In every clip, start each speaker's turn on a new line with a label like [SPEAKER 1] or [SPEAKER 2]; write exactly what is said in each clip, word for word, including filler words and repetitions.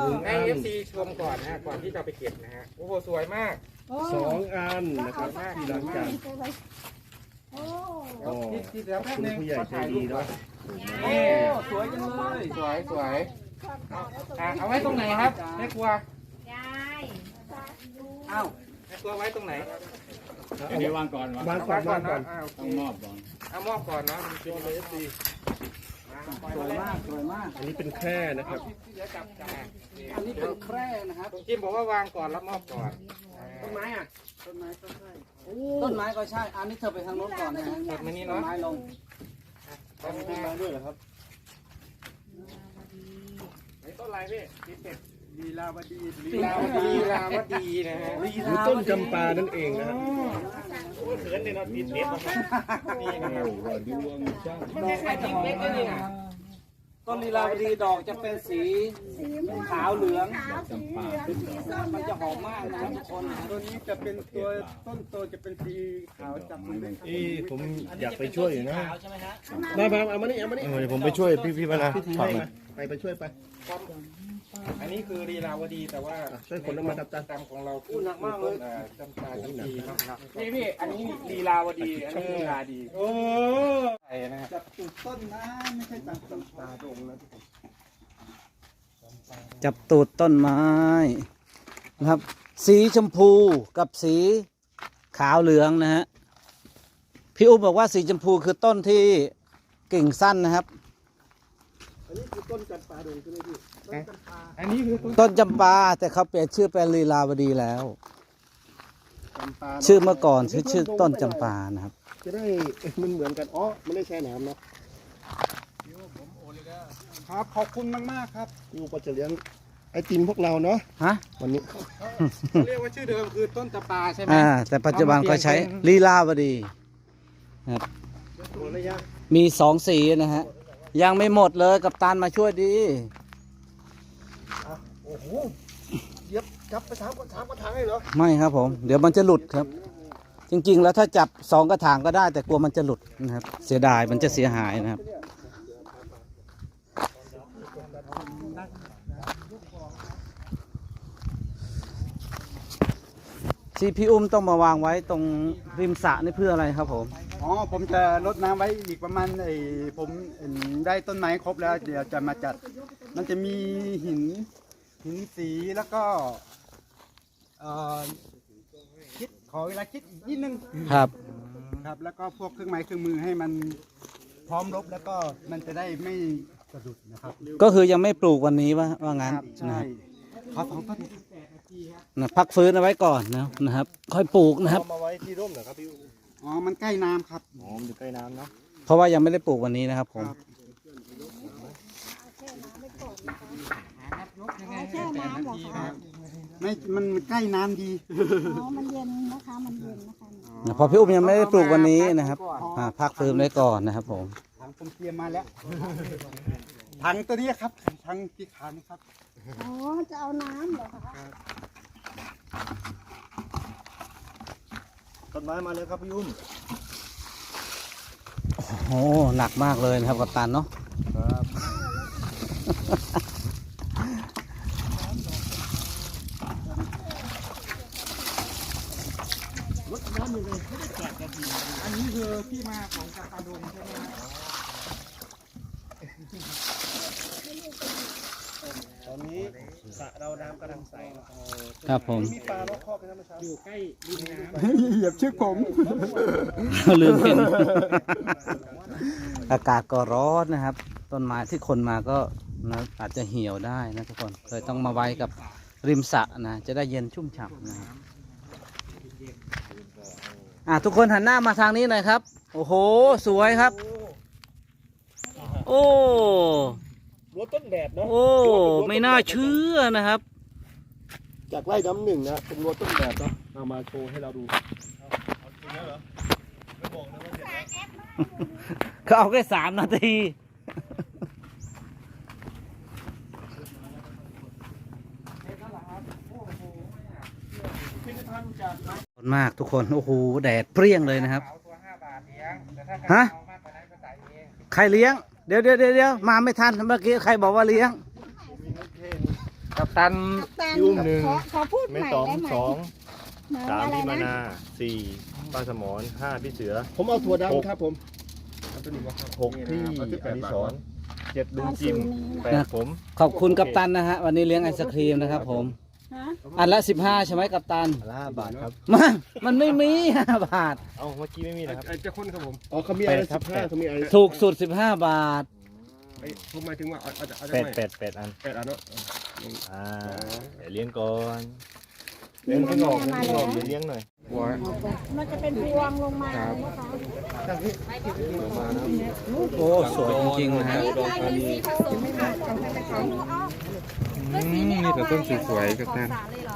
[SPEAKER 1] ให้เอฟซีชมก่อนนะก่อนที่จะไปเก็บนะฮะโอ้โหสวยมาก
[SPEAKER 2] สองอันนะครับที่หลังจาก
[SPEAKER 3] โอ้
[SPEAKER 1] ที่ที่เดี๋ยว
[SPEAKER 2] ขอบ
[SPEAKER 1] แป๊บ
[SPEAKER 2] คุณ
[SPEAKER 1] นึง
[SPEAKER 2] ผู้ใหญ่
[SPEAKER 1] ขอ
[SPEAKER 2] ใจ
[SPEAKER 1] ถ่ายรู
[SPEAKER 2] ดี
[SPEAKER 1] ปก่อ
[SPEAKER 2] เนาะ
[SPEAKER 1] นโอ้สวยจังเลยสวยสวยอ่ะเอาไว้ตรงไหนครับแม่ครัวย
[SPEAKER 3] าย
[SPEAKER 1] เอ้าแม่ครัวไว้ตรงไหน
[SPEAKER 4] เดี๋ยววางก่อนวาง
[SPEAKER 2] วางก่อนวางก่อน
[SPEAKER 1] อ่าโอเค
[SPEAKER 4] ต้องมอบก่อน
[SPEAKER 1] เอามอบก่อนเนาะมันเป็นเอฟซี
[SPEAKER 4] สวยมากสวยมาก
[SPEAKER 2] อันนี้เป็นแคร่นะครับ
[SPEAKER 1] เดี๋ยวจับจับ
[SPEAKER 4] อันนี้เป็นแคร่นะครับ
[SPEAKER 1] ตรงจิ้มบอกว่าวางก่อนแล้วมอบก่อน
[SPEAKER 4] ต้นไม้อ่ะต้นไม้ก็ใช่ต้นไม้ก็ใช่อันนี้เธอไปทางโน้นก่อนนะฮะ
[SPEAKER 1] กดมานี่
[SPEAKER 4] ต้น
[SPEAKER 1] เนาะ
[SPEAKER 4] ไม้ลง
[SPEAKER 1] ต้น
[SPEAKER 2] ต้นไม้ด้วยเหรอครับ
[SPEAKER 1] ไหนต้นอะไรพี่ที่เป็ด
[SPEAKER 4] ลีลาวดี
[SPEAKER 1] ลีลาวดีลีลาวดีนะฮะ
[SPEAKER 2] หรือต้นจำปานั่นเองนะครับ
[SPEAKER 1] เขินเลยเนาะติดเล็บนี่นะครับ
[SPEAKER 2] โอ้ดวงช่าง
[SPEAKER 1] มันไม่ใช่ติดเล็บเลยนี่นะ
[SPEAKER 4] ต้นลีลาวดีดอกจะเป็นสีขาวเหลือง
[SPEAKER 3] ขาวสีเหลืองสีส้ม
[SPEAKER 4] มันจะหอมมากนะทุกคน
[SPEAKER 5] ตัวนี้จะเป็นตัวต้นโตจะเป็นสีขาวจับมือได้
[SPEAKER 2] อีผมอยากไปช่วยอยู่นะ
[SPEAKER 4] ใช่ไหมฮะ
[SPEAKER 2] มาบางเอามานี่เอามานี่
[SPEAKER 6] เดี๋ยวผมไปช่วยพี่พี่มานะ
[SPEAKER 2] พี่ที
[SPEAKER 6] ถอด
[SPEAKER 2] ให้
[SPEAKER 6] มา
[SPEAKER 2] มาไปไปช่วยไป
[SPEAKER 1] อันนี้คือลีลาวดีแต่ว่า
[SPEAKER 2] ช่วยคนละมาครับอาจารย์
[SPEAKER 1] จำของเราคือหนักมากเลยจำปาจำปีครับพี่พี่อันนี้ลีลาวดีอันนี้ลีลาดีโอ้ใช่นะฮะ
[SPEAKER 5] จับตูดต้นนะไม่ใช่จับต้นตาดงนะ
[SPEAKER 4] จับตูดต้นไม้นะครับ สีชมพูกับสีขาวเหลืองนะฮะพี่อุ้มบอกว่าสีชมพูคือต้นที่กิ่งสั้นนะครับ
[SPEAKER 2] อันนี้คือต้นจำปาดงใช่ไหมพี่
[SPEAKER 1] อันนี้คือ
[SPEAKER 4] ต้นจำปาแต่เขาเปลี่ยนชื่อเป็นลีลาวดีแล้ว
[SPEAKER 2] จำปา
[SPEAKER 4] ชื่อเมื่อก่อนชื่อชื่อต้นจำปานะครับ
[SPEAKER 2] จะได้มันเหมือนกันอ๋อมันได้แช่น้ำเนาะ
[SPEAKER 5] ครับขอบคุณมากๆครับ
[SPEAKER 2] กูก็จะเลี้ยงไอติมพวกเราเนาะ
[SPEAKER 4] ฮะ
[SPEAKER 2] วันนี้
[SPEAKER 1] เขาเรียกว่าชื่อเดิมคือต้นจำปาใช่ไหม
[SPEAKER 4] อ่าแต่ปัจจุบันก็ใช้ลีลาวดีนะครับ
[SPEAKER 2] หมดแล้วยัง
[SPEAKER 4] มีสองสีนะฮะยังไม่หมดเลยกับตันมาช่วยดี
[SPEAKER 2] อ่ะโอ้โหเย็บจับไปสามกระถางกระถางเลยเหรอ
[SPEAKER 4] ไม่ครับผม เดี๋ยวมันจะหลุดครับ จริงๆแล้วถ้าจับสองกระถางก็ได้ แต่กลัวมันจะหลุดนะครับ เสียดายมันจะเสียหายนะครับที่พี่อุ้มต้องมาวางไว้ตรงริมสระนี่เพื่ออะไรครับผม
[SPEAKER 5] อ๋อผมจะรดน้ำไว้อีกประมาณไอ้ผมได้ต้นไม้ครบแล้ว เดี๋ยวจะมาจัด มันจะมีหินหินสีแล้วก็เอ่อคิดขอเวลาคิดอีกนิดนึง
[SPEAKER 4] ครับ
[SPEAKER 5] ครับ แล้วก็พวกเครื่องไม้เครื่องมือให้มันพร้อมรบแล้วก็มันจะได้ไม่สะดุดนะครับ
[SPEAKER 4] ก็คือยังไม่ปลูกวันนี้ว่าว่างั้น
[SPEAKER 5] ครับ
[SPEAKER 4] นะ
[SPEAKER 5] ใช่
[SPEAKER 4] ครับ
[SPEAKER 5] ขอสองต้น
[SPEAKER 4] นะพักฟื้นเอาไว้ก่อนนะนะครับ ค่อยปลูกนะครับ
[SPEAKER 2] เอามาไว้ที่ร่มเหรอครับพี่อู๋
[SPEAKER 5] อ๋อมันใกล้น้ำครับ
[SPEAKER 2] อ๋อมันอยู่ใกล้น้ำเนาะ
[SPEAKER 4] เพราะว่ายังไม่ได้ปลูกวันนี้นะครับผม
[SPEAKER 3] แช่น้ำเหรอคะ
[SPEAKER 5] ไม่มันใกล้น้ำดี
[SPEAKER 3] อ๋อมันเย็นนะคะมันเย็นนะคะ
[SPEAKER 4] นะเพอพี่อุ้มยังไม่ได้ปลูกวันนี้นะครับอ่าพักฟื้นไว้ก่อนนะครับผม
[SPEAKER 5] ถังผมเตรียมมาแล้วถังตัวนี้ครับถังที่ขานี่ครับ
[SPEAKER 3] อ๋อจะเอาน้ำเหรอคะ
[SPEAKER 2] ต้นไม้มาเลยครับพี่อุ้ม
[SPEAKER 4] โอ้หนักมากเลยนะครับกัปตันเนาะ
[SPEAKER 1] อันนี้คือที่มาของจำปาดงใช่ไหมครับ
[SPEAKER 2] ตอนนี้สระเราน้ำกำลังใส
[SPEAKER 4] ครับผม
[SPEAKER 2] มีปลาล็อกคอกกันนะเมื่อเช้า
[SPEAKER 1] อยู่ใกล้ริมน้ำ
[SPEAKER 5] เหยียบชื่อผม
[SPEAKER 4] ลืมเห็น อากาศก็ร้อนนะครับ ต้นไม้ที่คนมาก็นะอาจจะเหี่ยวได้นะทุกคนเลยต้องมาไว้กับริมสระนะจะได้เย็นชุ่มฉ่ำนะครับอ่ะทุกคนหันหน้ามาทางนี้หน่อยครับ โอ้โหสวยครับ โอ้
[SPEAKER 2] รั้วต้นแดดเนาะ
[SPEAKER 4] โอ้ไม่น่าเชื่อนะครับ
[SPEAKER 2] จากไร่น้ำหนึ่งนะเป็นรั้วต้นแดดเนาะเอามาโชว์ให้เราดู
[SPEAKER 4] เขาเอาแค่สามนาทีมากทุกคนโอ้โหแดดเปรี้ยงเลยนะครับ
[SPEAKER 1] เอาตัวห้าบาทเลี้ยงแต่ถ้า
[SPEAKER 4] ฮะ
[SPEAKER 1] เอามากกว่านั้นก็จ่ายเอง
[SPEAKER 4] ใครเลี้ยงเดี๋ยวเดี๋ยวเดี๋ยวมาไม่ทันเมื่อกี้ใครบอกว่าเลี้ยง
[SPEAKER 1] กัปตัน
[SPEAKER 3] กัปตัน
[SPEAKER 6] พี่อุ้มหนึ่ง
[SPEAKER 3] ขอขอพูดให
[SPEAKER 6] แม่
[SPEAKER 3] ม่
[SPEAKER 6] ต๋อม
[SPEAKER 3] ได้ไหม
[SPEAKER 6] สอง
[SPEAKER 3] หมาย
[SPEAKER 6] สาม
[SPEAKER 3] อะไร
[SPEAKER 6] พี่มา
[SPEAKER 3] นะ
[SPEAKER 6] นาสี่ป้าสมรห้าพี่เสือ
[SPEAKER 2] ผมเอาถั่ว
[SPEAKER 6] หก
[SPEAKER 2] ดำครับผมเอาตัวนี้มาครับ
[SPEAKER 6] หกพี่อดิศรเจ็ดลุงจิมแปดผม
[SPEAKER 4] ขอบคุณกัปตันนะฮะวันนี้เลี้ยงไอศครีมนะครับผม
[SPEAKER 3] ฮะ
[SPEAKER 4] อันละสิบห้าใช่ไหมกัปตัน
[SPEAKER 6] ห้าบาทครับ
[SPEAKER 4] มามันไม่มี ห้าบาท
[SPEAKER 6] เอ้าเมื่อกี้ไม่มีนะครับ
[SPEAKER 1] ไอ้เจ้าคนครับผม
[SPEAKER 2] อ๋อเขามีอะไร
[SPEAKER 6] แปดครั
[SPEAKER 2] สิ
[SPEAKER 6] บ
[SPEAKER 2] บห้าเขามีอะไร
[SPEAKER 4] ถูกสุดสิบห้าบาท
[SPEAKER 1] ไอ้ผมหมายถึงว่าเอาเอาจะเอาจะ
[SPEAKER 6] แปด
[SPEAKER 1] ไม่
[SPEAKER 6] แปดแปดอัน
[SPEAKER 1] แปดอันเนาะ
[SPEAKER 6] อ่าเดี๋ยวเลี้ยงก่อน
[SPEAKER 3] นี่
[SPEAKER 6] เลี้ยง
[SPEAKER 3] มัน
[SPEAKER 6] ให้งอก
[SPEAKER 3] มา
[SPEAKER 6] ให้ง
[SPEAKER 3] แล้
[SPEAKER 6] อ
[SPEAKER 3] ว
[SPEAKER 6] กเดี๋ยวเลี้ยงหน่อย
[SPEAKER 1] หัว
[SPEAKER 3] มันจะเป็นพวงลงมานะคะ
[SPEAKER 4] โอ้สวยจริงๆนะฮะ
[SPEAKER 1] นี่แต่ต้นสวยๆกัปตัน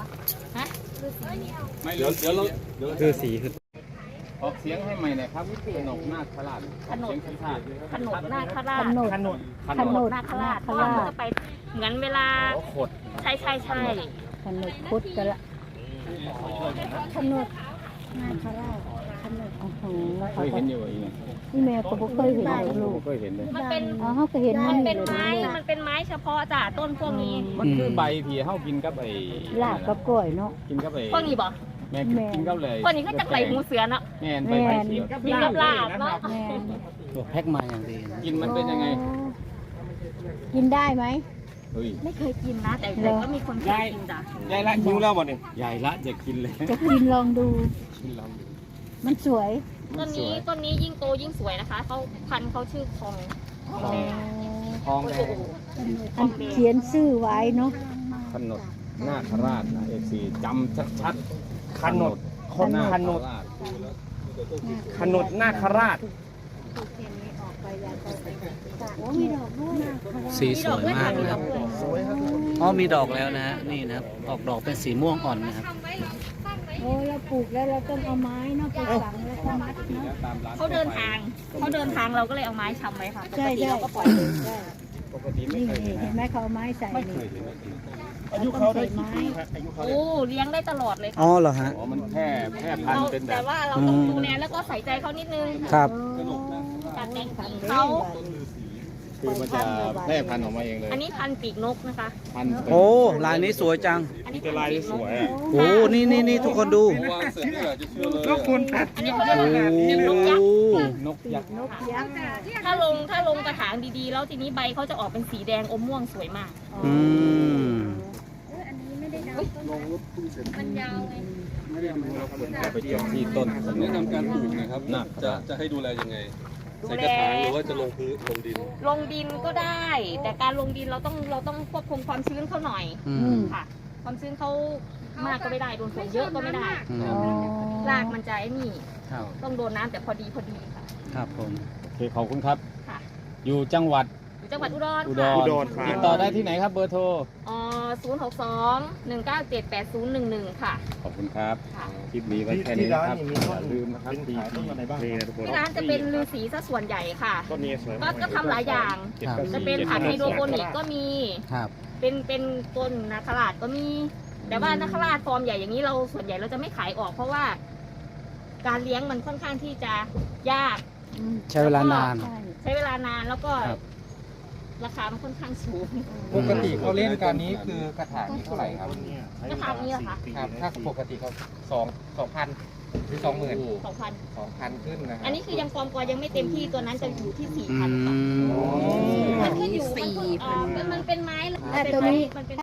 [SPEAKER 1] ไม่เดี๋ยวเดี๋ยวเราคือสีคือออกเสียงให้ใหม่หน่อยครับขนมนาคราชขนมขาด
[SPEAKER 7] ขนมนาคราช
[SPEAKER 3] ขนม
[SPEAKER 1] ขนม
[SPEAKER 7] ขนมนาคราชเพราะว่ามันจะไปเหมือนเวลา
[SPEAKER 1] ขด
[SPEAKER 7] ใช่ใช่ใช่
[SPEAKER 3] ขนมพุทธกันละขนมนาคราชขนมโอ้โห
[SPEAKER 1] เคยเห็นอยู่อีกไหม
[SPEAKER 3] นี่แม่ก็บ่เคยเห็นเลยลูก
[SPEAKER 1] เคยเห็นเลย
[SPEAKER 7] มันเป็น
[SPEAKER 3] อ๋อเขาก็เห็น
[SPEAKER 7] มันเป็น
[SPEAKER 3] อยู่
[SPEAKER 7] ไม้
[SPEAKER 3] เลย
[SPEAKER 7] มันเป็นไม้เฉพาะจ้ะต้นพวกนี้
[SPEAKER 1] มันคือใบที่เฮากินกับไอ้
[SPEAKER 3] ลาบกับกล้วยเนาะ
[SPEAKER 1] กินกับไอ้
[SPEAKER 7] พวกนี้บ่
[SPEAKER 1] แม่กินกับเลย
[SPEAKER 7] พวกนี้ก็จะไหลหูเสือเนาะ
[SPEAKER 1] แม่นไปไปเสีย
[SPEAKER 7] กินกับลาบเนาะ
[SPEAKER 3] แม่
[SPEAKER 4] ตัวแพ็คมาอย่างดีนะ
[SPEAKER 1] กินมันเป็นยังไง
[SPEAKER 3] กินได้ไหม
[SPEAKER 1] เฮ้ย
[SPEAKER 7] ไม่เคยกินนะ แต่แต่ก็มีคนเคยกินจ้ะ
[SPEAKER 1] ยายละหิวแล้วบ่เนี่ยยายละจะกินเลย
[SPEAKER 3] จะกินลองดู
[SPEAKER 1] กินแล้ว
[SPEAKER 3] มันสวย
[SPEAKER 7] ต้นนี้ต้นนี้ยิ่งโตยิ่งสวยนะคะเขาพันธุ์เขาชื่อคองคองแดง
[SPEAKER 1] ทองแดง
[SPEAKER 3] อันเขียนชื่อไว้เนาะ
[SPEAKER 1] ขนดนาคราชนะเอฟซีจำชัดๆขนดคนขนดขนดนาคราช
[SPEAKER 3] โอ้มีดอกด้วย
[SPEAKER 4] สีสวยมากนะครับอ๋อมีดอกแล้วนะฮะนี่นะครับออกดอกเป็นสีม่วงอ่อนนะครับ
[SPEAKER 3] โอ้เราปลูกแล้วเราต้องเอาไม้เนาะไปฝังแล้วก็มัดเนาะ
[SPEAKER 7] เขาเดินทางเขาเดินทางเราก็เลยเอาไม้ชำไว้ค่ะป
[SPEAKER 3] ใช่
[SPEAKER 7] กติ
[SPEAKER 3] ใช่
[SPEAKER 7] เราก็ปล่อยเลย
[SPEAKER 3] ใช่
[SPEAKER 1] ปกติไม่
[SPEAKER 3] นี่
[SPEAKER 1] เคย
[SPEAKER 3] นี่
[SPEAKER 1] เห็น
[SPEAKER 3] เห็นไหมเขาเอาไม้ใส่นี่
[SPEAKER 2] อายุเขาได้กี่ปีครับอายุเขา
[SPEAKER 7] โอ้เลี้ยงได้ตลอดเลย
[SPEAKER 4] อ๋
[SPEAKER 7] ค่ะ
[SPEAKER 4] อเหรอฮะ
[SPEAKER 1] อ๋อมันแพร่แพร่พัน
[SPEAKER 7] เรา
[SPEAKER 1] ธุ์เป็นแบ
[SPEAKER 7] แต่
[SPEAKER 1] บ
[SPEAKER 7] ว่าเราต้องดูแลแล้วก็ใส่ใจเขานิดนึง
[SPEAKER 4] ครับ
[SPEAKER 7] การแต่งกิ่งเขา
[SPEAKER 1] คือมันจะแพร่พันธุ์ออกมาเองเลย
[SPEAKER 7] อันนี้พันธุ์ปีกนกนะคะ
[SPEAKER 1] พันธุ์เป็น
[SPEAKER 4] โอ้ลายนี้สวยจัง
[SPEAKER 7] อันนี้
[SPEAKER 1] จะลายที่สวยอ่ะ
[SPEAKER 4] โอ้นี่นี่นี่ทุกคนดู
[SPEAKER 1] ก็คุณ
[SPEAKER 7] อันนี้เขาเรียก
[SPEAKER 4] โอ้
[SPEAKER 7] ว่าปีกนกยักษ์
[SPEAKER 1] นกยักษ์
[SPEAKER 3] นกยักษ์อ่ะ
[SPEAKER 7] ถ้าลงถ้าลงกระถางดีๆ แล้วทีนี้ใบเขาจะออกเป็นสีแดงอมม่วงสวยมาก
[SPEAKER 4] อืม
[SPEAKER 7] มันยาวไง
[SPEAKER 1] ไปเจาะที่ต้น
[SPEAKER 8] แนะนำการปลูกนะครับ
[SPEAKER 1] หนัก
[SPEAKER 8] จะจะให้ดูแลยังไง
[SPEAKER 7] ดู
[SPEAKER 8] ใส่
[SPEAKER 7] แล
[SPEAKER 8] กระถางหรือว่าจะลงพื้นลงดิน
[SPEAKER 7] ลงดินก็ได้ แต่การลงดินเราต้องเราต้องควบคุมความชื้นเขาหน่อย
[SPEAKER 4] อืม
[SPEAKER 7] ค่ะ ความชื้นเขามากก็ไม่ได้โดนฝนเยอะก็ไม่ได้
[SPEAKER 4] อื
[SPEAKER 3] อ๋อ
[SPEAKER 4] ม
[SPEAKER 7] รากมันจะไอ้นี่
[SPEAKER 4] ครับ
[SPEAKER 7] ต้องโดนน้ำแต่พอดีพอดีค่ะ
[SPEAKER 4] ครับผม
[SPEAKER 1] โอเคขอบคุณครับ
[SPEAKER 7] ค่ะ
[SPEAKER 1] อยู่จังหวัด
[SPEAKER 7] อยู่จังหวัดอุดร
[SPEAKER 1] อุด
[SPEAKER 7] ค่ะ
[SPEAKER 1] ร
[SPEAKER 2] อุดรครับ
[SPEAKER 1] ติดต่อได้ที่ไหนครับเบอร์โทร
[SPEAKER 7] อ๋อศูนย์หกสองหนึ่งเก้าเจ็ดแปดศูนย์หนึ่งหนึ่งค่ะ
[SPEAKER 1] ขอบคุณครับ
[SPEAKER 7] ค่ะ
[SPEAKER 1] คลิปนี้ไว้แค่
[SPEAKER 2] ที่
[SPEAKER 1] นี้
[SPEAKER 2] ร้าน
[SPEAKER 1] นะครับ
[SPEAKER 2] นี่มี
[SPEAKER 1] อ
[SPEAKER 2] ต้น
[SPEAKER 1] ย่าลืมนะครับ
[SPEAKER 2] เป็นขายต้นอะไรบ้างนี่นะทุกคน
[SPEAKER 7] ที่ร้านจะเป็นฤาษีซะส่วนใหญ่ค่ะ
[SPEAKER 2] ต้นนี้สวย
[SPEAKER 7] ก็ก็ทำหลายอย่าง
[SPEAKER 4] ครับ
[SPEAKER 7] จะเป็นผักไฮโดรโปนิกก็มี
[SPEAKER 4] ครับ
[SPEAKER 7] เป็นเป็นต้นนาคราชก็มี แต่ว่านาคราชฟอร์มใหญ่อย่างนี้เราส่วนใหญ่เราจะไม่ขายออก เพราะว่า การเลี้ยงมันค่อนข้างที่จะยาก
[SPEAKER 4] ใช้เวลานาน
[SPEAKER 3] ใช่
[SPEAKER 7] ใช้เวลานานแล้วก็
[SPEAKER 4] ครับ
[SPEAKER 7] ราคามันค่อนข้างสูง
[SPEAKER 9] ปกติเขาเล่นการนี้คือกระถางนี้เท่าไหร่ครับ
[SPEAKER 7] กระถางนี้เหรอคะ
[SPEAKER 9] ครับ ถ้าปกติเขาสองสองพันหรือสองหมื่น
[SPEAKER 7] สองพัน
[SPEAKER 9] สองพันขึ้นนะครั
[SPEAKER 7] อันนี้คือยังฟอร์มกว่ายังไม่เต็มที่ตัวนั้นจะอยู่ที่สี่
[SPEAKER 4] อื
[SPEAKER 7] พันค่ะ
[SPEAKER 4] ม
[SPEAKER 7] มันขึ้นอยู่มันขึ้นอ่ามันเป็นไม้
[SPEAKER 3] แต่ตัวนี้
[SPEAKER 7] มันเป็น